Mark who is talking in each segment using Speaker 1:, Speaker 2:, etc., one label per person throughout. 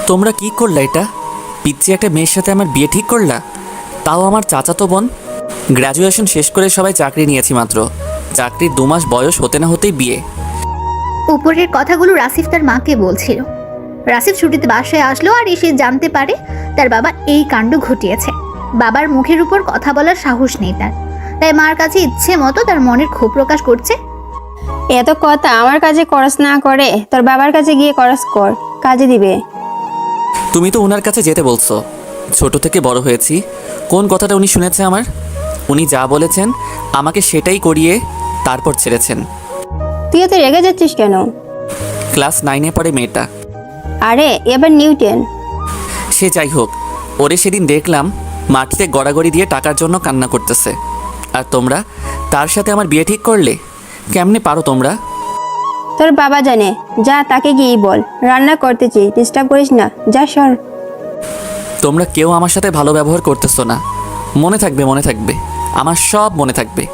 Speaker 1: তোমরা কি করলা এটা? পিচ্ছি একটা মেয়ের সাথে আমার বিয়ে ঠিক করলা, তাও আমার চাচাতো বোন। গ্র্যাজুয়েশন শেষ করে সবাই চাকরি নিয়েছি মাত্র, চাকরির 2 মাস বয়স হতে না হতেই বিয়ে।
Speaker 2: উপরের কথাগুলো রাসিফ তার মাকে বলছিল। রাসিফ ছুটিতে বাসায় আসলো আর এসে জানতে পারে তার বাবা এই কাণ্ড ঘটিয়েছে। বাবার মুখের উপর কথা বলার সাহস নেই তার, তাই মার কাছে ইচ্ছে মতো তার মনের ক্ষোভ প্রকাশ করছে।
Speaker 3: এত কথা আমার কাছে করস না করে তোর বাবার কাছে গিয়ে করস কর, কাজে দিবে।
Speaker 1: তুমি তো ওনার কাছে যেতে বলছো, ছোট থেকে বড় হয়েছি। কোন কথাটা উনি শুনেছে আমার? উনি যা বলেছেন আমাকে সেটাই করিয়ে তারপর ছেড়েছেন।
Speaker 3: তুই এত রেগে যাচ্ছিস কেন?
Speaker 1: ক্লাস 9-এ পড়ে মেয়েটা।
Speaker 3: আরে এবার নিউটেন।
Speaker 1: সে যাই হোক, ওরে সেদিন দেখলাম মাটিতে গড়াগড়ি দিয়ে টাকার জন্য কান্না করতেছে। আর তোমরা তার সাথে আমার বিয়ে ঠিক করলে? কেমনে পারো তোমরা?
Speaker 3: তোর বাবা জানে, যা তাকে গিয়ে বল রান্না করতেছি, ডিস্টার্ব করিস না, যা সর।
Speaker 1: তোমরা কেউ আমার সাথে ভালো ব্যবহার করতেছো না। মনে থাকবে, মনে থাকবে, আমার সব মনে থাকবে।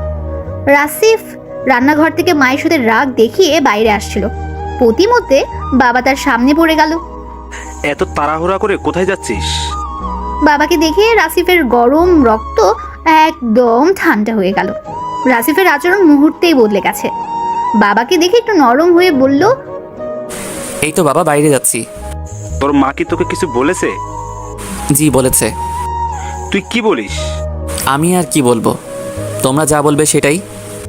Speaker 2: রাসিফ রান্নাঘর থেকে মায়ের সাথে রাগ দেখিয়ে বাইরে আসছিল। প্রতিমধ্যে বাবা তার সামনে পড়ে গেল।
Speaker 4: এত তাড়াহুড়া করে কোথায় যাচ্ছিস?
Speaker 2: বাবাকে দেখে রাসিফের গরম রক্ত একদম ঠান্ডা হয়ে গেল। রাসিফের আচরণ মুহূর্তেই বদলে গেছে। বাবাকে দেখে একটু নরম হয়ে বলল,
Speaker 1: এই তো বাবা, বাইরে যাচ্ছি।
Speaker 4: তোর মা কি তোকে কিছু বলেছে?
Speaker 1: জি বলেছে।
Speaker 4: তুই কি বলিস?
Speaker 1: আমি আর কি বলবো, তোমরা যা বলবে সেটাই।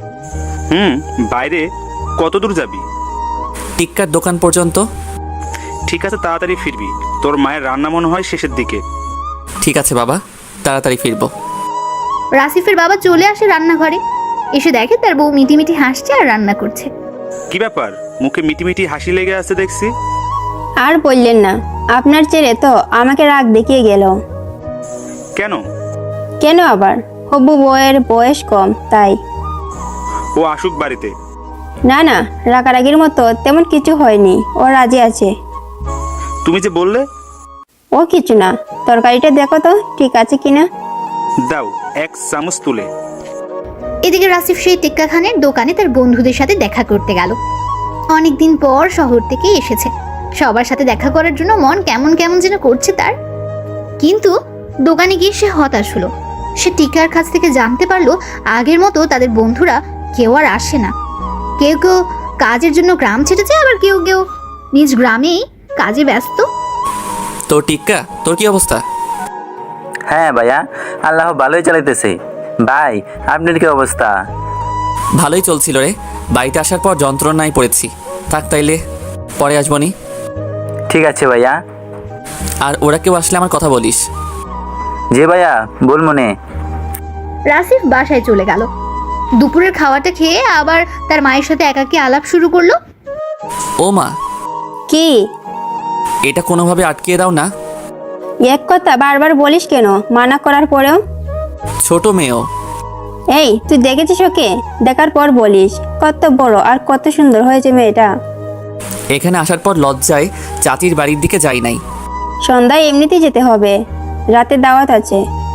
Speaker 4: বাইরে কত দূর যাবি?
Speaker 1: টিক্কার দোকান পর্যন্ত।
Speaker 4: ঠিক আছে, তাড়াতাড়ি ফিরবি। তোর মায়ের রান্না মনে হয় শেষের দিকে।
Speaker 1: ঠিক আছে বাবা, তাড়াতাড়ি ফিরবো।
Speaker 2: রাসিফের বাবা চলে আসে রান্নাঘরে। এসে দেখে তার বউ মিটিমিটি হাসছে আর রান্না করছে।
Speaker 4: কি ব্যাপার, মুখে মিটিমিটি হাসি লেগে আছে দেখছি?
Speaker 3: আর বললেন না, আপনার ছেলে তো আমাকে রাগ দেখিয়ে গেল।
Speaker 4: কেন?
Speaker 3: কেন আবার? হবু বউয়ের বয়স কম তাই।
Speaker 4: ও আসুক বাড়িতে।
Speaker 3: না না, রাগারাগির মতো তেমন কিছু হয়নি, ও রাজি আছে।
Speaker 4: তুমি যে বললে।
Speaker 3: ও কিছু না, তরকারিটা দেখো তো ঠিক আছে কিনা।
Speaker 4: দাও 1 চামচ তুলে।
Speaker 2: এদিকে রাসিফ সেই টিক্কা খানের দোকানে তার বন্ধুদের সাথে দেখা করতে গেল। অনেকদিন পর শহর থেকে এসেছে, সবার সাথে দেখা করার জন্য মন কেমন কেমন যেন করছে তার। কিন্তু দোকানে গিয়ে সে হতাশ হলো। সে টিক্কার কাছ থেকে জানতে পারলো আগের মতো তাদের বন্ধুরা কেউ আর আসে না। কেউ কেউ কাজের জন্য গ্রাম ছেড়েছে, আবার কেউ কেউ নিজ গ্রামেই কাজে ব্যস্ত।
Speaker 1: তোর টিক্কা, তোর কি অবস্থা?
Speaker 5: হ্যাঁ ভাইয়া, আল্লাহ ভালোই চালাইতেছে। ভাই আপনার কি অবস্থা?
Speaker 1: ভালোই চলছিল রে, বাড়িতে আসার পর যন্ত্রণায় পড়েছি। থাক তাইলে, পরে আসবনি।
Speaker 5: ঠিক আছে ভাইয়া।
Speaker 1: আর ওরা কেউ আসলে আমার কথা বলিস।
Speaker 5: জি ভাইয়া, বল মনে।
Speaker 2: রাসিফ বাসায় চলে গেল। দুপুরের খাওয়াটা খেয়ে আবার তার মায়ের সাথে একাকী আলাপ শুরু করলো।
Speaker 1: ও মা,
Speaker 3: কি?
Speaker 1: এটা কোনোভাবে আটকিয়ে দাও না।
Speaker 3: এক কথা বারবার বলিস কেন মানা করার পরেও?
Speaker 1: ছোট মেয়েও।
Speaker 3: এই তুই দেখেছিস ওকে? দেখার পর বলিস কত বড় আর কত সুন্দর হয়েছে মেয়েটা।
Speaker 1: এখানে আসার পর লজ্জায় চাচির বাড়ির দিকে যাই নাই।
Speaker 3: সন্ধ্যায় এমনিতেই যেতে হবে, রাতে দাওয়াত আছে।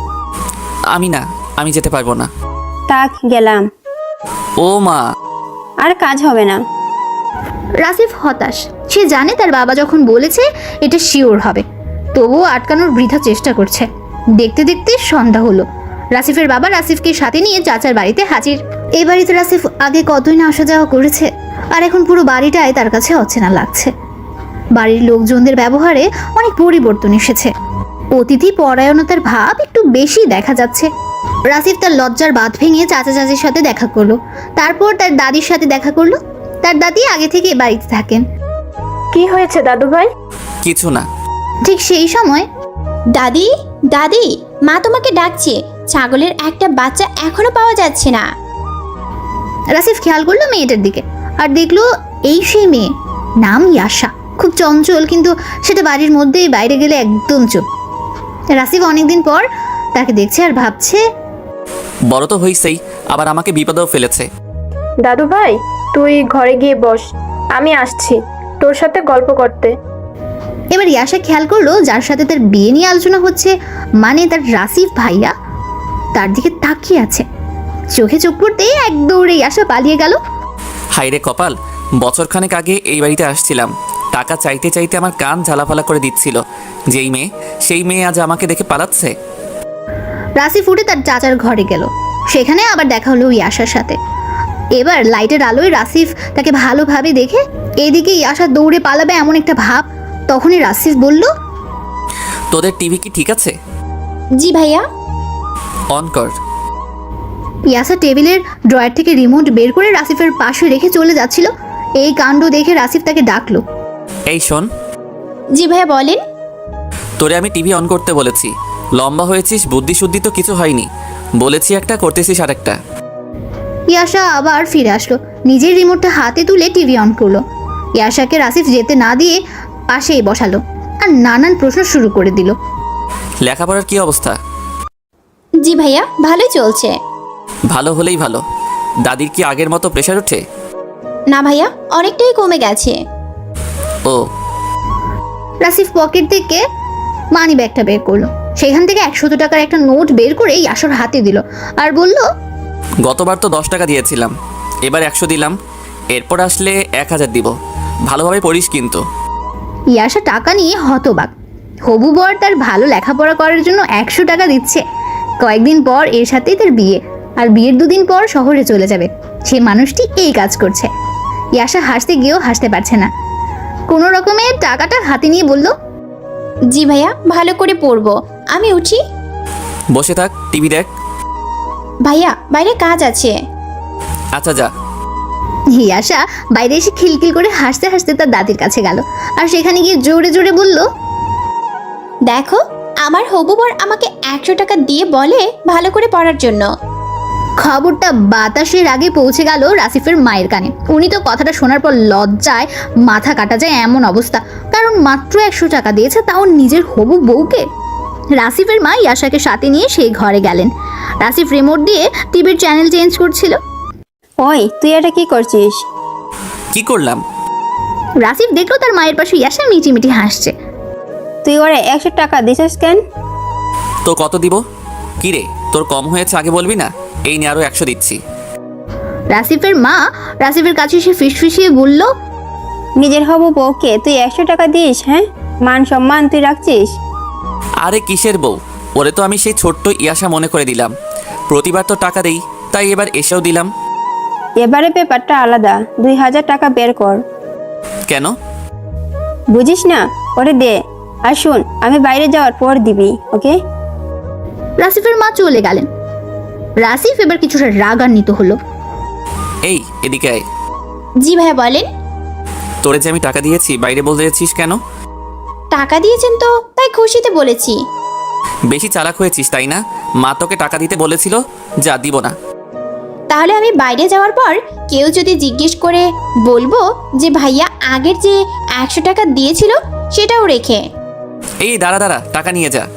Speaker 1: আমি যেতে পারবো না।
Speaker 3: থাক গেলাম।
Speaker 1: ও মা।
Speaker 3: আর কাজ হবে না।
Speaker 2: রাসিফ হতাশ। সে জানে তার বাবা যখন বলেছে এটা শিওর হবে, তবুও আটকানোর বৃথা চেষ্টা করছে। দেখতে দেখতে সন্ধ্যা হলো। রাসিফের বাবা রাসিফকে সাথে নিয়ে চাচার বাড়িতে হাজির। এই বাড়িতে রাসিফ আগে কতই না আসা যাওয়া করেছে, আর এখন পুরো বাড়িটাই তার কাছে অচেনা লাগছে। বাড়ির লোকজনদের ব্যবহারে অনেক পরিবর্তন এসেছে। অতিথি পরায়ণতার ভাব একটু বেশি দেখা যাচ্ছে। রাসিফ তার লজ্জার বাঁধ ভেঙে চাচা চাচির সাথে দেখা করলো। তারপর তার দাদির সাথে দেখা করলো। তার দাদি আগে থেকে বাড়িতে থাকেন।
Speaker 6: কি হয়েছে দাদু ভাই?
Speaker 1: কিছু না।
Speaker 2: ঠিক সেই সময়
Speaker 7: দাদি, দাদি, মা তোমাকে ডাকছে। ছাগলের একটা বাচ্চা এখনো পাওয়া যাচ্ছে না।
Speaker 2: রাসিফ খেয়াল করলো মেয়েটার দিকে, আর দেখলো এই সেই মেয়ে, নাম ইয়াশা। খুব চঞ্চল, কিন্তু সেটা বাড়ির মধ্যেই, বাইরে গেলে একদম চুপ। রাসিফ অনেকদিন পর তাকে দেখছে আর ভাবছে,
Speaker 1: বড় তো হইছেই, আবার আমাকে বিপদেও ফেলেছে।
Speaker 6: দাদু ভাই তুই ঘরে গিয়ে বস, আমি আসছি তোর সাথে গল্প করতে।
Speaker 2: এবার ইয়াশা খেয়াল করলো যার সাথে তার বিয়ে নিয়ে আলোচনা হচ্ছে, মানে তার রাসিফ ভাইয়া, তার দিকে তাকিয়ে আছে। চোখে চোখ পড়তেই এক দৌড়ে ইয়াশা পালিয়ে গেল।
Speaker 1: হাইরে কপাল, বছরখানেক আগে এই বাড়িতে আসছিলাম, টাকা চাইতে চাইতে আমার কান ঝালাফালা করে দিচ্ছিল। যেই মেয়ে সেই মেয়ে আজ আমাকে দেখে পালাচ্ছে।
Speaker 2: রাসিফ উঠে তার চাচার ঘরে গেল। সেখানে আবার দেখা হলো ইয়াশার সাথে। এবার লাইটের আলোয় রাসিফ তাকে ভালোভাবে দেখে এদিকে ইয়াশা দৌড়ে পালাবে এমন একটা ভাব। তখনই রাসিফ বলল,
Speaker 1: তোদের টিভি কি ঠিক আছে?
Speaker 7: জি ভাইয়া।
Speaker 1: অন কর।
Speaker 2: ইয়াসা টেবিলের ড্রয়ার থেকে রিমোট বের করে রাসিফের পাশে রেখে চলে যাচ্ছিল। এই কাণ্ড দেখে রাসিফ তাকে ডাকলো।
Speaker 1: এই শোন,
Speaker 7: জি ভাইয়া বলেন।
Speaker 1: তোরে আমি টিভি অন করতে বলেছি। লম্বা হয়েছিস, বুদ্ধি শুদ্ধি তো কিছু হয়নি। বলেছি একটা, করতেছিস আরেকটা।
Speaker 2: ইয়াশা আবার ফিরে আসলো, নিজের রিমোটটা হাতে তুলে টিভি অন করলো। ইয়াশাকে রাসিফ যেতে না দিয়ে পাশেই বসালো আর নানান প্রশ্ন শুরু করে দিল।
Speaker 1: লেখাপড়ার কি অবস্থা?
Speaker 7: জি ভাইয়া ভালোই চলছে।
Speaker 1: ভালো হলেই ভালো। দাদির কি আগের মতো প্রেশার ওঠে?
Speaker 7: না ভাইয়া, অনেকটাই কমে গেছে।
Speaker 1: ও,
Speaker 2: রাসিফ পকেট থেকে মানি ব্যাগটা বের করলো। সেখান থেকে 100 টাকার একটা নোট বের করে ইয়াশার হাতে দিল আর বলল,
Speaker 1: গতবার তো 10 টাকা দিয়েছিলাম, এবার 100 দিলাম। এরপর আসলে 1000 দিব। ভালোভাবে পড়িস কিন্তু।
Speaker 2: ইয়াশা টাকা নিয়ে হতবাক। হবু বর তার ভালো লেখাপড়া করার জন্য 100 টাকা দিচ্ছে। কয়েকদিন পর এর সাথেই তার বিয়ে, আর বিয়ের 2 দিন পর শহরে চলে যাবে। সে মানুষটি এই কাজ করছে। ইয়াশা হাসতে গিয়েও হাসতে পারছে না। কোনো রকমে টাকাটা হাতে নিয়ে বলল,
Speaker 7: জি ভাইয়া ভালো করে পড়বো। আমি উঠি।
Speaker 1: বসে থাক, টিভি দেখ।
Speaker 7: ভাইয়া বাইরে কাজ আছে।
Speaker 1: আচ্ছা যা।
Speaker 2: ইয়াশা বাইরে এসে খিলখিল করে হাসতে হাসতে তার দাদির কাছে গেল আর সেখানে গিয়ে জোরে জোরে বলল,
Speaker 7: দেখো, আমার হবু বর আমাকে 100 টাকা দিয়ে বলে ভালো করে পড়ার জন্য।
Speaker 2: খবরটা বাতাসের আগে পৌঁছে গেল রাসিফের মায়ের কানে। উনি তো কথাটা শোনার পর লজ্জায় মাথা কাটা যায় এমন অবস্থা, কারণ মাত্র 100 টাকা দিয়েছে, তাও নিজের হবু বউকে। রাসিফের মা ইয়াশাকে সাথে নিয়ে সেই ঘরে গেলেন। রাসিফ রিমোট দিয়ে টিভির চ্যানেল চেঞ্জ করছিল।
Speaker 3: ওই তুই এটা কি করছিস?
Speaker 1: কি করলাম?
Speaker 2: রাসিফ দেখলো তার মায়ের পাশে ইয়াশা মিটিমিটি হাসছে।
Speaker 3: তুই ওরে 100 টাকা দিছিস কেন?
Speaker 1: তো কত দিব? কি রে, তোর কম হয়েছে আগে বলবি না? এই নিয়ে আরো 100 দিচ্ছি।
Speaker 2: রাসিফের মা রাসিফের কাছে এসে ফিসফিসিয়ে বলল,
Speaker 3: নিজের হবু বউকে তুই 100 টাকা দিস? হ্যাঁ, মান সম্মান তুই রাখছিস?
Speaker 1: আরে কিসের বউ? ওরে তো আমি সেই ছোট্ট ইয়াশা মনে করে দিলাম। প্রতিবার তো টাকা দেই, তাই এবার এসেও দিলাম।
Speaker 3: এবারে ব্যাপারটা আলাদা। 2000 টাকা বের কর।
Speaker 1: কেন?
Speaker 3: বুঝিস না? ওরে দে। আর শুন, আমি বাইরে যাওয়ার পর দিবি, ওকে?
Speaker 2: রাসিফের মা চলে গেলেন। রাসিফ এবার কিছুটা রাগান্বিত হলো।
Speaker 1: এই এদিকে আয়।
Speaker 7: জি ভাইয়া বলেন।
Speaker 1: তোরে যে আমি টাকা দিয়েছি, বাইরে বলতে যাচ্ছিস কেন?
Speaker 7: টাকা দিয়েছেন তো তাই খুশিতে বলেছি।
Speaker 1: বেশি চালাক হয়েছিস তাই না? মা তোকে টাকা দিতে বলেছিল, যা দিব না।
Speaker 7: তাহলে আমি বাইরে যাওয়ার পর কেউ যদি জিজ্ঞেস করে বলবো যে ভাইয়া আগের যে 100 টাকা দিয়েছিল সেটাও রেখে।
Speaker 1: এই দাঁড়া দাঁড়া, টাকা নিয়ে যা।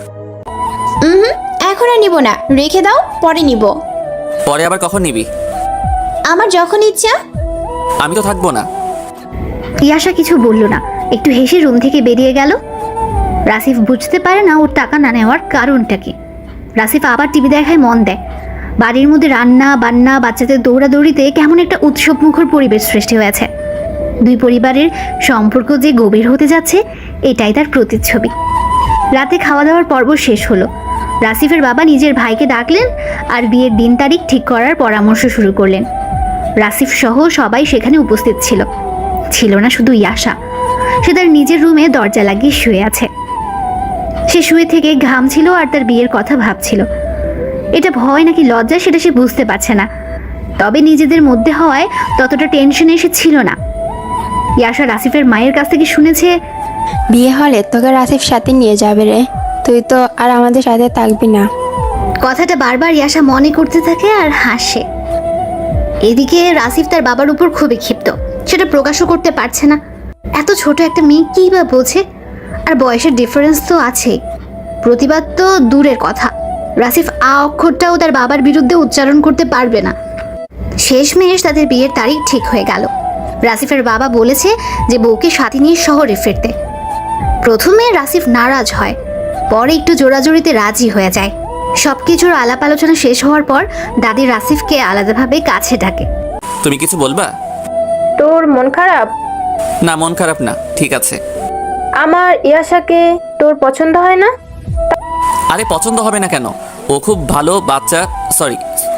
Speaker 7: এখন আর নিব না, রেখে দাও, পরে নিব।
Speaker 1: পরে আবার কখন নিবি?
Speaker 7: আমার যখন ইচ্ছা।
Speaker 1: আমি তো থাকবো না।
Speaker 2: ইয়াশা কিছু বলল না, একটু হেসে রুম থেকে বেরিয়ে গেল। রাসিফ বুঝতে পারে না ওর টাকা না নেওয়ার কারণটা কি। রাসিফ আবার টিভি দেখায় মন দেয়। বাড়ির মধ্যে রান্না বান্না, বাচ্চাদের দৌড়াদৌড়িতে কেমন একটা উৎসবমুখর পরিবেশ সৃষ্টি হয়েছে। দুই পরিবারের সম্পর্ক যে গভীর হতে যাচ্ছে, এটাই তার প্রতিচ্ছবি। রাতে খাওয়া দাওয়ার পর্ব শেষ হলো। রাসিফের বাবা নিজের ভাইকে ডাকলেন আর বিয়ের দিন তারিখ ঠিক করার পরামর্শ শুরু করলেন। রাসিফ সহ সবাই সেখানে উপস্থিত ছিল। ছিল না শুধু ইয়াশা। সে তার নিজের রুমে দরজা লাগিয়ে শুয়ে আছে। সে শুয়ে থেকে ঘামছিল আর তার বিয়ের কথা ভাবছিল। এটা ভয় নাকি লজ্জা সেটা সে বুঝতে পারছে না, তবে নিজেদের মধ্যে হওয়ায় ততটা টেনশনে এসেছিল না। ইয়াশা রাসিফের মায়ের কাছ থেকে শুনেছে,
Speaker 3: বিয়ে হলে তোকে রাসিফ সাথে নিয়ে যাবে রে, তুই তো আর আমাদের সাথে থাকবি না।
Speaker 2: কথাটা বারবার ইয়াশা মনে করতে থাকে আর হাসে। এদিকে রাসিফ তার বাবার উপর খুবই ক্ষিপ্ত, সেটা প্রকাশও করতে পারছে না। এত ছোট একটা মেয়ে কী বা বোঝে, আর বয়সের ডিফারেন্স তো আছেই। প্রতিবাদ তো দূরের কথা, রাসিফ আ অক্ষরটাও তার বাবার বিরুদ্ধে উচ্চারণ করতে পারবে না। শেষমেশ তাদের বিয়ের তারিখ ঠিক হয়ে গেল। রাসিফের বাবা বলেছে যে বউকে সাথে নিয়ে শহরে ফিরতে। প্রথমে রাসিফ নারাজ হয়, পরে একটু জোরাজোরিতে রাজি হয়ে যায়। সবকিছুর আলাপ আলোচনা শেষ হওয়ার পর দাদি রাসিফকে আলাদাভাবে কাছে ডাকে।
Speaker 1: তুমি কিছু বলবা?
Speaker 6: তোর মন খারাপ?
Speaker 1: না, মন খারাপ না, ঠিক আছে।
Speaker 6: আমার ইয়াশাকে তোর পছন্দ হয় না?
Speaker 1: আরে পছন্দ হবে না কেন, ও খুব ভালো বাচ্চা, সরি